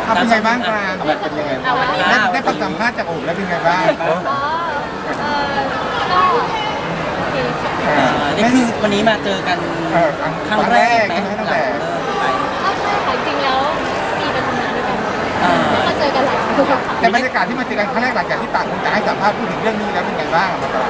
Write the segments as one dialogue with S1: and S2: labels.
S1: ทำเป็นไงบ้างคะ
S2: เป็นยังไงบ้าง
S1: ได้ฟังสัมภาษณ์จากโอ๋แล้วเป็นไงบ้าง
S3: อ๋อก็โอเคค่ะ
S4: นี่คือวันนี้มาเจอกันครั้งแรกไหม
S1: ตั้งแต่
S4: ไป
S3: ก็ใช่ค่ะจริงแล้วมีไปทำงานด้วยกันแล้วก็เจอกันหลายครั้งค่ะ
S1: แต่บรรยากาศที่มาเจอกันครั้งแรกหลังจากที่ต่างคนต่างให้สัมภาษณ์พูดถึงเรื่องนี้แล้วเป็นไงบ้างมันก็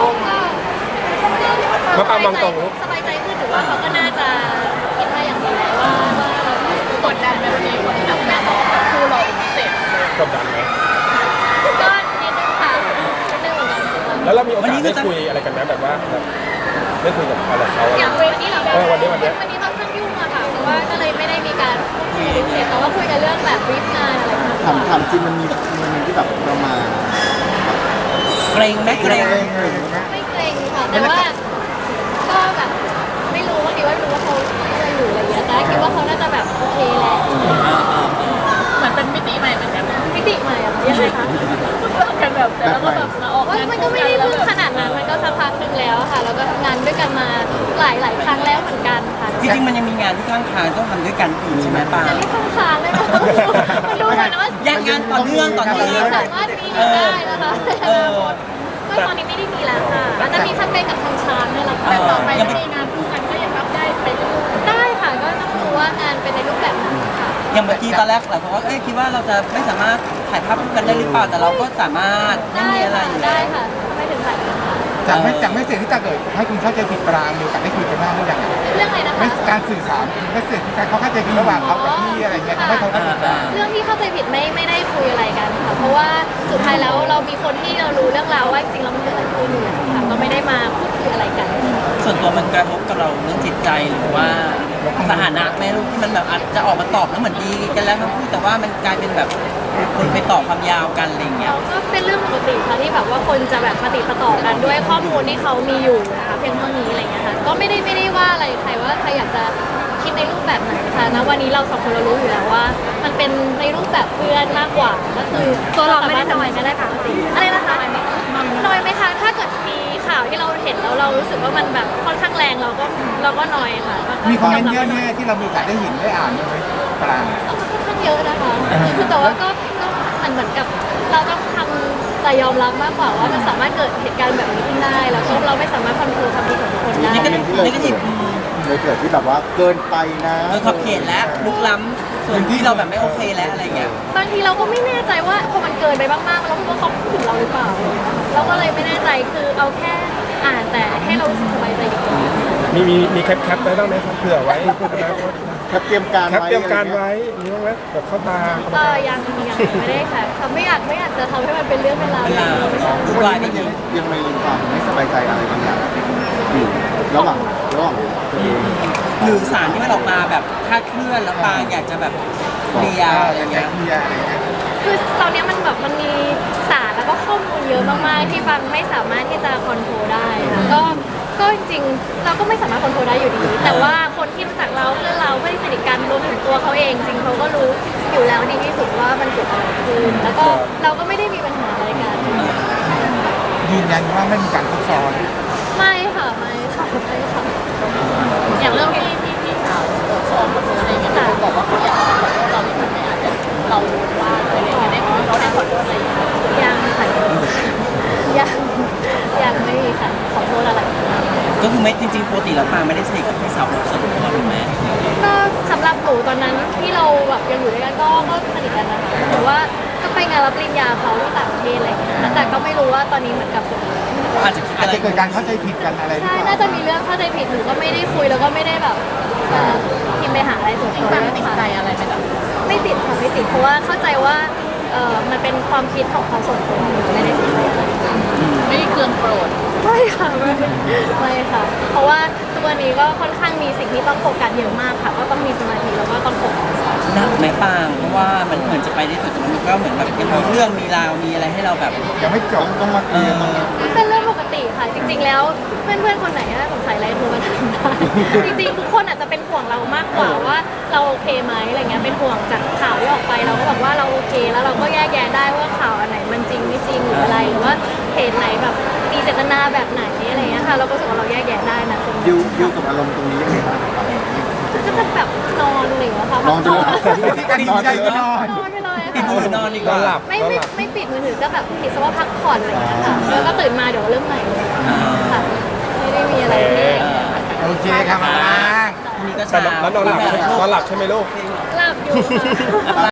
S2: มาปามองตรง
S3: สบายใจขึ้นหรือว่าเขาก็น่าจะคิดมาอย่างดีแล้วว่าเรากดดันในวันนี้คนที่แบบแม่บอกว่าคู่เราเป็นพิเศษ
S2: กดดันไหม
S3: ก็นิดนึงค่ะนิดนึงเหมือนกัน
S2: แล้วเรามีโอกาสได้คุยอะไรกันไหมแบบว่าได้คุยกับอะไรเขา
S3: อย่างวันนี้เรา
S2: วันนี้
S3: ค่อนข้างยุ่งอะค่ะเพราะว่าก็เลยไม่ได้มีการคุยกันพิเศษแต่ว่าคุยกันเรื่องแบบวิทงานอะไรต่างๆ
S5: ถามจริงมันมีที่แบบเรามา
S4: เกรงไหมเกรง
S3: ไม่เกรงค่ะแต่ว่าก็แบบไม่รู้ว่าดีว่าไม่รู้ว่าเขาอะไรอยู่อะไรอย่างเงี้ยแต่คิดว่าเขาน่าจะแบบโอเคแหละเหมือนเป็นมิติใหม่เหมือนกันมิติใหม่อะยังไงคะกันแบบแต่แล้วก็แบบมาออกงานมันก็ไม่ได้เพิ่งขนาดนั้นมันก็สักพักหนึงแล้วค่ะแล้วก็ทำงานด้วยกันมาหลายครั้งแล้วเหมือนกันค่ะ
S4: จริงๆมันยังมีงานที่ข้างทางต้องทำด้วยกันอีกใช่ไหมปา
S3: จะเรียกข้างค้างได้ไหมมันดูเหมือนว่า
S4: ยังงานต่อเนื่อง
S3: สามารถมีได้นะคะก็ตอนนี้ไม่ได้มีแล้วค่ะอาจจะมีแคมเปญกับทางช้างนี่แหละค่ะแต่ต่อไปถ้ามีงานคู่กันก็ยังรับได้ไปเรื่อยๆได้ค่ะก็ต้องดูว่างานเป็นในรูปแบบไหนค่ะ
S4: อย่างเมื่อกี้ตอนแรกหลายคนว่าคิดว่าเราจะไม่สามารถถ่ายภาพคู่กันได้หรือเปล่าแต่เราก็สามารถไม่มีอะไรอยู่
S3: ได้
S4: แล้ว
S3: ค่ะไม่ถึงถ่ายค่ะ
S1: จากไม่เสร็จที่ตาเกิดให้คุณเข้าใจผิดปรางมีโอกาสได้คุยกันบ้างหรือยัง
S3: เรื่องอะไรนะคะ
S1: ไม่การสื่อสารไม่เสร็จที่การเขาเข้าใจผิดระหว่างเขากับพี่อะไรเงี้ยทำให้เขาเข้าใจผิดปราง
S3: เรื่องที่เข้าใจผิดไม่ได้คุยอะไรกันค่ะเพราะว่าสุดท้ายแล้วเรามีคนที่เรารู้เรื่องราวว่าจริงๆแล้วมันเกิดอะไรขึ้นอยู่แล้วค่ะก็ไม่ได้มาพูดคุยอะไรกัน
S4: ส่วนตัวมันกระทบกับเราเรื่องจิตใจหรือว่าสถานะแม่ลูกที่มันแบบอาจจะออกมาตอบแล้วเหมือนดีกันแล้วทั้งคู่แต่ว่ามันกลายเป็นแบบคนไปต่อความยาวกันอะไรอย่างเงี้ย
S3: ก็เป็นเรื่องปกติค่ะที่แบบว่าคนจะแบบปฏิดประต่อกันด้วยข้อมูลที่เขามีอยู่นะคะเพียงเท่านี้อะไรเงี้ยค่ะก็ไม่ได้ว่าอะไรใครว่าใครอยากจะคิดในรูปแบบไหนค่ะนะวันนี้เราสองคนเรารู้อยู่แล้วว่า มันเป็นในรูปแบบเพื่อนมากกว่าก็คือตัวเราไม่ได้นอยไม่ได้ปกติอะไรนะคะนอยไหมคะถ้าเกิดมีข่าวที่เราเห็นแล้วเรารู้สึกว่ามันแบบค่อนข้างแรงเราก็นอยค่ะ
S1: มีคอมเมนต์เยอะแน่ที่เรามีโอกาสได้เห็นได้อ่านไหมปราง
S3: ค่อนข้างเยอะนะคะแต่ว่าก็เหมือนกับเราต้องทำใจยอมรับมากกว่าว่ามันสามารถเกิดเหตุการณ์แบบนี้ขึ้นได้แล้วก็เราไม่สามารถควบคุมความคิดของทุกคนได้
S4: นี่ก็
S5: เลยเกิดที่แบบว่าเกินไปนะ
S4: ขอบเขตและลุกล้ำส่วนที่เราแบบไม่โอเคแล้วอะไรเงี้ย
S3: บางทีเราก็ไม่แน่ใจว่าพอมันเกินไปมากๆเราคิดว่าเขาพูดถึงเราหรือเปล่าเราก็เลยไม่แน่ใจคือเอาแค่อ่านแต่ให้เรารู้สึกสบายใจดีกว่า
S2: มีแคปไว้บ้างไหมครับเผื่อไว้
S5: แคปเตรียมการ
S2: แคปเตรียมการไว้มีบ้างไหมแบบเข้าตา
S3: ยังไม่ได้ค่ะไม่อยากจะทำให้มันเป็นเรื่องเป็นราวเลย
S5: ทุกวันนี้มันยังมีความไม่สบายใจอะไรบางอย่างอยู่ระหว่างตัวเอง
S4: หรือสารที่มันออกมาแบบคลาดเคลื่อนแล้วปางอยากจะแบบเคลียร์อะไรเงี้ย
S3: คือตอนนี้มันแบบมันมีสารแล้วก็ข้อมูลเยอะมากๆที่บางไม่สามารถที่จะคอนโทรลได้ค่ะก็จริงๆเราก็ไม่สามารถคอนโทรลได้อยู่ดี แต่ว่าคนที่รู้จักเราเพื่อนเราเพื่อนที่สนิทกันรวมถึงตัวเขาเองจริงเขาก็รู้อยู่แล้วดีที่สุดว่ามันเกิดอะไรขึ้นแล้วก็เราก็ไม่ได้มีปัญหาอะไรกัน
S1: ยืนยันว่าไม่มีการซับซ้อน
S3: ไม่ค่ะไม่ค่ะอย่างเรื่องที่สาวสอนมาอะไรอย่างเงี้ยบอกว่าเขาอยากขอโทษเราที่มันไม่อาจจะเราว่าอะไรอย่างเงี้ยเขาได้ขอโทษอะไรยังค่ะยังไม่มีค่ะขอโทษอะไร
S4: ก็คือไม่จริงๆปกติแล้วปางไม่ได้สนิทกับพี่สาวเราส่วนตัวหรือไหม
S3: ก็สำหรับหนูตอนนั้นที่เราแบบยังอยู่ด้วยกันก็สนิทกันนะคะหรือว่าก็ไปงานรับปริญญาเขาที่ต่างประเทศอะไรอย่างเงี้ยแต่ก็ไม่รู้ว่าตอนนี้เหมือนกับ
S4: อาจจะคิด
S1: อาจ
S4: อะไร
S1: จะเกิดการเข้าใจผิดกันอะไรหรือ
S3: ใช่
S1: เปล่า
S3: น่าจะมีเรื่องเข้าใจผิดหนูก็ไม่ได้คุยแล้วก็ไม่ได้แบบพิมพ์ไปหาอะไรส่วนตัวไม่ติดใจอะไรไปหรอไม่ติดค่ะไม่ติดเพราะว่าเข้าใจว่ามันเป็นความคิดของเขาส่วนตัวไม่ได้ติดใจอะไรไม่ได้เคืองโกรธไม่ค่ะไม่ค่ะ เพราะว่าทุกวันนี้ก็ค่อนข้างมีสิ่งที่ต้องโฟกัสเยอะมากค่ะ ก็ต้องมีสมาธิแล้วก็ต้องโฟกัส
S4: หนักไหมปางเพราะว่ามันเหมือนจะไปได้สุดแต่มันก็เหมือนแบบยังมีเรื่องมีราวมีอะไรให้เราแบบ
S1: ยังไม่จบต้องมาเคลียร์
S3: เป็นเรื่องปกติค่ะ จริง ๆ แล้วเพื่อนๆคนไหนถ้าสงสัยอะไรโทรมาถามได้จริงๆทุกคนอาจจะเป็นห่วงเรามากกว่าว่าเราโอเคไหมอะไรเงี้ยเป็นห่วงจากข่าวที่ออกไปเราก็บอกว่าเราโอเคแล้วเราก็แยกแยะได้ว่าข่าวอันไหนมันจริงไม่จริงหรืออะไรหรือว่าเหตุไหนแบบมีเจตนาแบบไหนอะไรเงี้ยค่ะเราก็รู้สึกว่าเราแยกแยะได้นะ
S5: ดิวกับอารมณ์ตรงนี้ยังไงบ้างครับ
S3: ก็จะแบบนอนอะไรอย่างเงี้ยค่ะ
S5: นอนไปเลย
S1: วิธีการดีใจก็นอน
S3: นอนไปเลย
S4: ปิด
S3: ค่ะ
S4: มือนอนดีก
S2: นอ
S4: ว่าน
S2: หลับ
S3: ไม่
S2: นอน
S3: ไม่
S2: หลับ
S3: ไม่ปิดมือถือก็แบบคิดซะว่าพักผ่อนอะไรอย่างเงี้ยค่ะแล้วก็ตื่นมาเดี๋ยวเริ่มใหม่เลยค่ะไม่ได้มีอะไรที่
S1: โอเคครับมา
S4: พรุ่งนี้ก็
S2: แต่
S4: เช้า
S2: แล้วนอนหลับใช่ไหมลูก
S3: หลับอยู่ค่ะ